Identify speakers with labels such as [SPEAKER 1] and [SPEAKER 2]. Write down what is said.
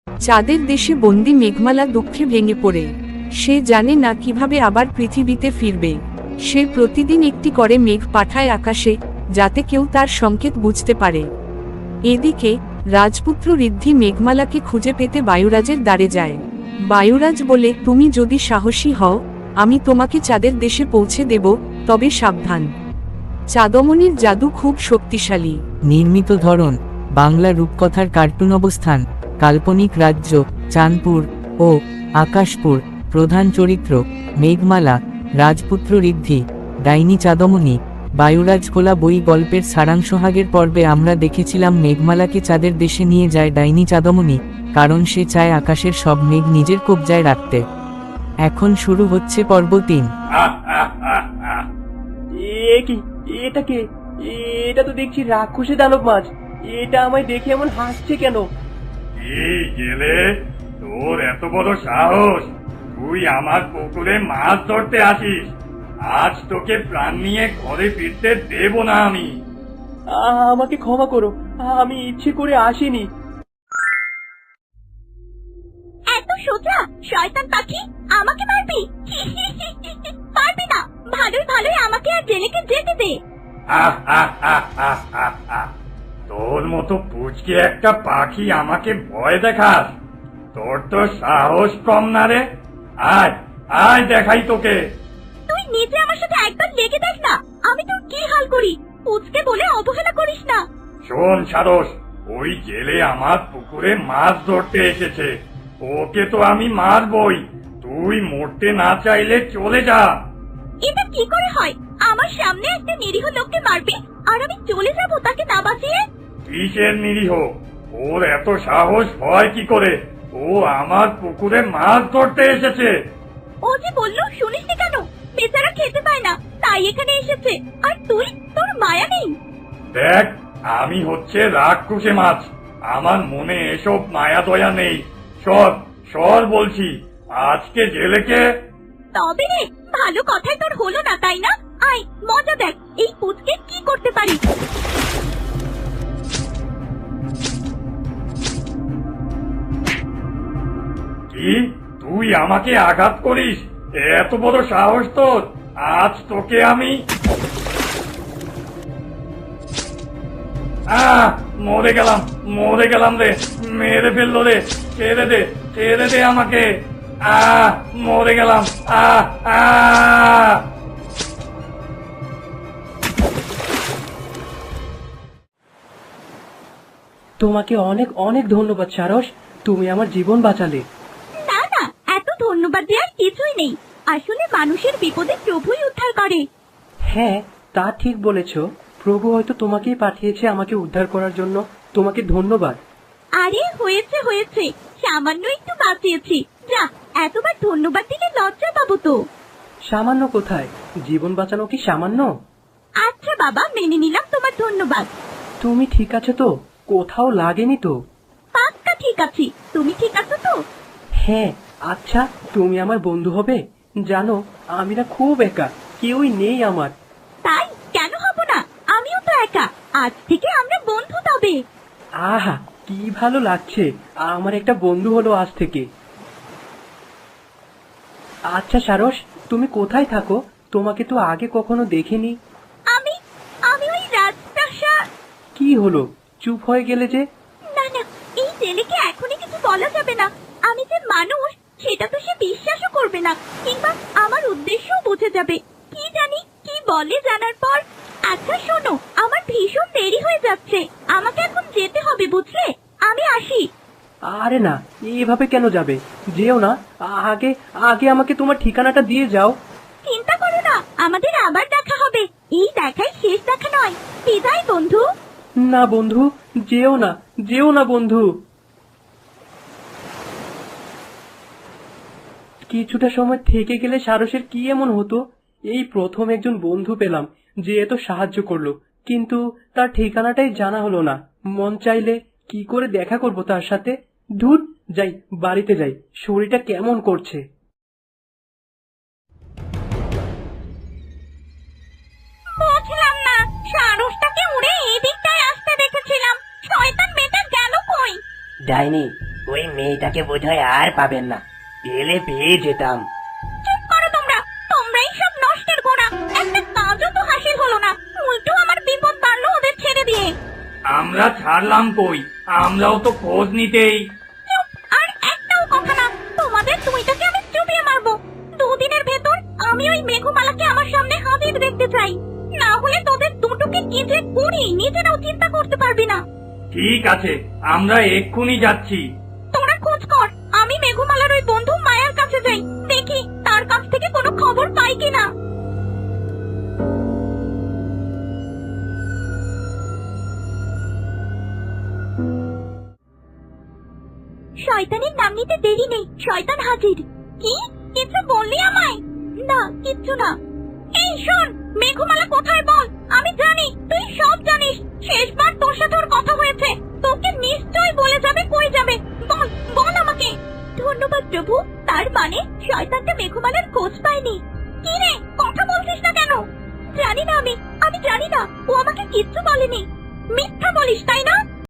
[SPEAKER 1] চাঁদের দেশে বন্দি মেঘমালা দুঃখে ভেঙে পড়ে। সে জানে না কিভাবে আবার পৃথিবীতে ফিরবে। সে প্রতিদিন একটি করে মেঘ পাঠায় আকাশে, যাতে কেউ তার সংকেত বুঝতে পারে। এদিকে রাজপুত্র ঋদ্ধি মেঘমালাকে খুঁজে পেতে বায়ুরাজের দ্বারে যায়। বায়ুরাজ বলে, তুমি যদি সাহসী হও, আমি তোমাকে চাঁদের দেশে পৌঁছে দেব, তবে সাবধান। চাঁদমণির জাদু খুব শক্তিশালী।
[SPEAKER 2] নির্মিত ধরন বাংলা রূপকথার কার্টুন। অবস্থান কাল্পনিক রাজ্য চাঁদপুর ও আকাশপুর। প্রধান চরিত্র মেঘমালা, রাজপুত্র ঋদ্ধি, ডাইনি চাঁদমণি, বায়ুরাজ। খোলা বই গল্পের সারাংশহাগের পর্বে আমরা দেখেছিলাম মেঘমালাকে চাঁদের দেশে নিয়ে যায় ডাইনি চাঁদমণি, কারণ সে চায় আকাশের সব মেঘ নিজের কবজায় রাখতে। এখন শুরু হচ্ছে পর্ব 3।
[SPEAKER 3] এটা কে? এটা তো দেখছি রাক্ষসী দানব মাছ। এটা আমায় দেখে এমন হাসছে কেন?
[SPEAKER 4] এই গেলে, তোর এত বড় সাহস! তুই আমার পুকুরে মাছ ধরতে আসিস? আজ তোকে প্রাণ নিয়ে ঘরে ফিরতে দেব না আমি।
[SPEAKER 3] আমাকে ক্ষমা করো, আমি ইচ্ছে করে আসিনি।
[SPEAKER 5] এত সোজা শয়তান পাখি, আমাকে মারবি? পারবি না। ভালোই ভালোই আমাকে আর জেলেকে যেতে দে।
[SPEAKER 4] তোর মতো পুচকে একটা পাখি আমাকে ভয় দেখাস? তোর তো সাহস কম না রে। আয় আয়, দেখাই তোকে।
[SPEAKER 5] তুই নিজে আমার সাথে একবার লেগে দেখ না, আমি তোর কি হাল করি। পুচকে বলে অবহেলা করিস না।
[SPEAKER 4] শোন সারস, ওই জেলে আমার পুকুরে মাছ ধরতে এসেছে। ওকে তো আমি মারবই। তুই মরতে না চাইলে চলে যা।
[SPEAKER 5] এটা কি করে হয়? আমার সামনে একটা নিরীহ লোককে মারবি আর আমি চলে যাব তাকে না বাঁচিয়ে?
[SPEAKER 4] কিসের নিরীহ? ওর এত সাহস হয় কি করে? ও আমার পুকুরে মাছ ধরতে এসেছে।
[SPEAKER 5] ও যে বললো শুনিসনি কেন? বেচারা খেতে পায় না, তাই এখানে এসেছে। আর তুই, তোর মায়া নেই?
[SPEAKER 4] দেখ, আমি হচ্ছে রাক্ষসে মাছ। আমার মনে এসব মায়া দয়া নেই। সর সর বলছি, আজকে জেলেকে।
[SPEAKER 5] তবে রে, ভালো কথাই তোর হলো না তাই না? আয় মজা দেখ, এই পুচকে কি করতে পারি।
[SPEAKER 4] কি, তুই আমাকে আঘাত করিস? এত বড় সাহস তোর! আজ তোকে আমি মরে গেলাম রে। মেরে ফেললো রে। ছেড়ে দে আমাকে। মরে গেলাম।
[SPEAKER 3] তোমাকে অনেক অনেক ধন্যবাদ সারস, তুমি আমার জীবন বাঁচালে।
[SPEAKER 5] না না, এত ধন্যবাদ দেওয়ার কিছুই নেই। আসলে মানুষের বিপদে প্রভুই উদ্ধার করে।
[SPEAKER 3] হ্যাঁ, তা ঠিক বলেছ। প্রভু হয়তো তোমাকেই পাঠিয়েছে আমাকে উদ্ধার করার জন্য। তোমাকে ধন্যবাদ।
[SPEAKER 5] আরে হয়েছে হয়েছে, সামান্য একটু বাঁচিয়েছি। যা, এতবার ধন্যবাদ দিলে লজ্জা পাবো তো।
[SPEAKER 3] সামান্য কোথায়? জীবন বাঁচানো কি সামান্য?
[SPEAKER 5] আচ্ছা বাবা, মেনে নিলাম তোমার ধন্যবাদ।
[SPEAKER 3] তুমি ঠিক আছে তো? কোথাও লাগেনি তো?
[SPEAKER 5] পাক্কা ঠিক আছি। তুমি ঠিক আছো তো?
[SPEAKER 3] হ্যাঁ। আচ্ছা, তুমি আমার বন্ধু হবে? জানো, আমি না খুব একা, কেউই নেই আমার।
[SPEAKER 5] তাই কেন হব না? আমিও তো একা। আজ থেকে আমরা বন্ধু তবে।
[SPEAKER 3] আহা, কি ভালো লাগছে, আমার একটা বন্ধু হলো আজ থেকে। আচ্ছা সারস, তুমি কোথায় থাকো? তোমাকে তো আগে কখনো দেখিনি।
[SPEAKER 5] আমি আমি ওই রাজপ্রাসাদ।
[SPEAKER 3] কি হলো, চুপ হয়ে গেলে যে?
[SPEAKER 5] না না, এই ছেলেকে এখনই কিছু বলা যাবে না। আমি যে মানুষ সেটা তো সে বিশ্বাসও করবে না, কিংবা আমার উদ্দেশ্যও বুঝে যাবে। কি জানি কি বলে জানার পর। আচ্ছা শোনো, আমার ভীষণ দেরি হয়ে যাচ্ছে, আমাকে এখন যেতে হবে বুঝলে। আমি আসি।
[SPEAKER 3] আরে না, এভাবে কেন যাবে? যেও না। আগে আগে আমাকে তোমার ঠিকানাটা দিয়ে যাও।
[SPEAKER 5] চিন্তা করো না, আমাদের আবার দেখা হবে। এই দেখাই শেষ দেখা নয়। বিদায় বন্ধু।
[SPEAKER 3] না বন্ধু, যেও না, যেও না বন্ধু। কিছুটা সময় থেকে গেলে সারসের কি এমন হতো? এই প্রথম একজন বন্ধু পেলাম যে এত সাহায্য করলো, কিন্তু তার ঠিকানাটাই জানা হলো না। মন চাইলে কি করে দেখা করব তার সাথে? ধুর, যাই, বাড়িতে যাই, শরীরটা কেমন করছে।
[SPEAKER 5] বুঝলাম না, সারসটাকে উড়ে এই দিকটায় আসতে দেখেছিলাম। শয়তান মেয়েটা গেল কই?
[SPEAKER 6] ডাইনি, ওই মেয়েটাকে বোধহয় আর পাবেন না, পেলে পেয়ে যেতাম।
[SPEAKER 5] চুপ করো তোমরা, তোমরাই সব নষ্টের গোড়া। একটা কাজও তো হাসিল হলো না, উল্টো আমার বিপদ বাড়লো ওদের ছেড়ে দিয়ে।
[SPEAKER 4] আমরা ছাড়লাম কই, আমরাও তো খোঁজ নিতেই।
[SPEAKER 5] চুপ, আর একটাও কথা না। তোমাদের দুইটাকে আমি চুপিয়ে মারবো। দুদিনের ভেতর আমি ওই মেঘমালাকে আমার সামনে হাজির দেখতে চাই, না হলে তোদের দুটোকে কি যে করি নিজেরাও চিন্তা করতে পারবি না।
[SPEAKER 4] ঠিক আছে, আমরা এক্ষুনি যাচ্ছি।
[SPEAKER 5] তোরা খোঁজ কর, আমি মেঘমালার ওই বন্ধু মায়ার কাছে যাই, দেখি তার কাছ থেকে কোনো খবর পাই কিনা। শয়তানের নাম নিতে দেরি নেই, শয়তান হাজির। কি কিছু বললি আমায়? না, কিচ্ছু না। এই শোন, মেঘমালা কোথায় বল, আমি জানি তুই সব জানিস। শেষবার তোর সাথে ওর কথা হয়েছে, তোকে নিশ্চয় বলে যাবে কই যাবে। বল বল আমাকে। ধন্যবাদ প্রভু, তার মানে শয়তানটা মেঘমালার খোঁজ পায়নি। কি রে, কথা বলছিস না কেন? জানি না, আমি জানি না, ও আমাকে কিচ্ছু বলেনি। মিথ্যা বলিস তাই না?